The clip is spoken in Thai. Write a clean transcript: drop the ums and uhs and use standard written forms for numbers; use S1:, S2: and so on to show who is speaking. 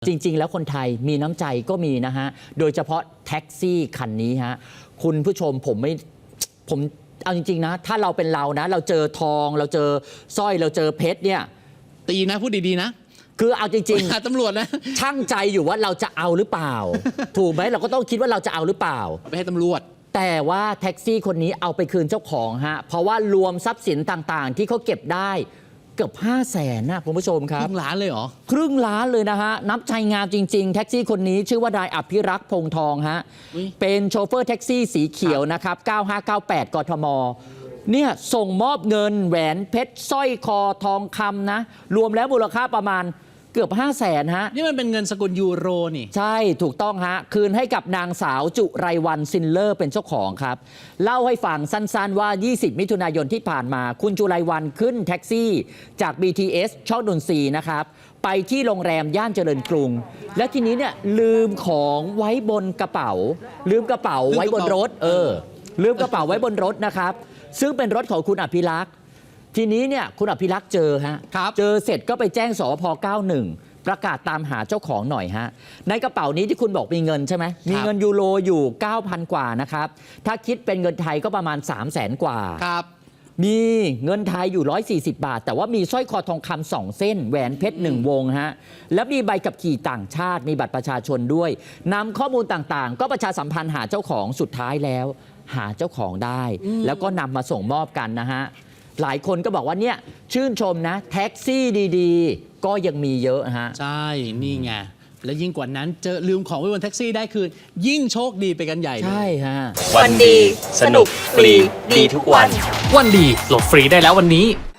S1: จริงๆแล้วคนไทยมีน้ำใจก็มีนะฮะโดยเฉพาะแท็กซี่คันนี้ฮะคุณผู้ชมผมเอาจริงๆนะถ้าเราเป็นเรานะเราเจอทองเราเจอสร้อยเราเจอเพชรเนี่ย
S2: ตีนะพูดดีๆนะ
S1: คือเอาจริง
S2: ๆตำรวจนะ
S1: ช่างใจอยู่ว่าเราจะเอาหรือเปล่า ถูกไหมเราก็ต้องคิดว่าเราจะเอาหรือเปล่า
S2: ไปให้ตำรวจ
S1: แต่ว่าแท็กซี่คนนี้เอาไปคืนเจ้าของฮะเพราะว่ารวมทรัพย์สินต่างๆที่เขาเก็บได้เกือบ500,000นะคุณผู้ชมครับ
S2: ครึ่งล้านเลยเหรอ
S1: ครึ่งล้านเลยนะฮะนับใจงามจริงๆแท็กซี่คนนี้ชื่อว่านายอภิรักษ์พงทองฮะเป็นโชเฟอร์แท็กซี่สีเขียวนะครับ9598กทมเนี่ยส่งมอบเงินแหวนเพชรสร้อยคอทองคำนะรวมแล้วมูลค่าประมาณเกือบ500,000ฮะ
S2: นี่มันเป็นเงินสกุลยูโรนี่
S1: ใช่ถูกต้องฮะคืนให้กับนางสาวจุไรวรรณซินเลอร์เป็นเจ้าของครับเล่าให้ฟังสั้นๆว่า20มิถุนายนที่ผ่านมาคุณจุไรวรรณขึ้นแท็กซี่จาก BTS ช่องนนทรีย์นะครับไปที่โรงแรมย่านเจริญกรุงและทีนี้เนี่ยลืมของไว้บนกระเป๋าลืมกระเป๋าไว้บนรถลืมกระเป๋าไว้บนรถนะครับซึ่งเป็นรถของคุณอภิรักษ์ทีนี้เนี่ยคุณอภิรักษ์เจอฮะเจอเสร็จก็ไปแจ้งสพ91ประกาศตามหาเจ้าของหน่อยฮะในกระเป๋านี้ที่คุณบอกมีเงินใช่ไหมมีเงินยูโรอยู่ 9,000 กว่านะครับถ้าคิดเป็นเงินไทยก็ประมาณ 300,000 กว่า
S2: ครับ
S1: มีเงินไทยอยู่140 บาทแต่ว่ามีสร้อยคอทองคำ2 เส้นแหวนเพชร1 วงฮะแล้วมีใบขับขี่ต่างชาติมีบัตรประชาชนด้วยนำข้อมูลต่างๆก็ประชาสัมพันธ์หาเจ้าของสุดท้ายแล้วหาเจ้าของได้แล้วก็นำมาส่งมอบกันนะฮะหลายคนก็บอกว่าเนี่ยชื่นชมนะแท็กซี่ดีๆก็ยังมีเยอะฮะ
S2: ใช่นี่ไงและยิ่งกว่านั้นเจอลืมของไว้บนแท็กซี่ได้คืนยิ่งโชคดีไปกันใหญ่
S1: ใช่ฮะ
S3: วันดีสนุกฟรีดีทุกวัน
S4: วันดีโหลดฟรีได้แล้ววันนี้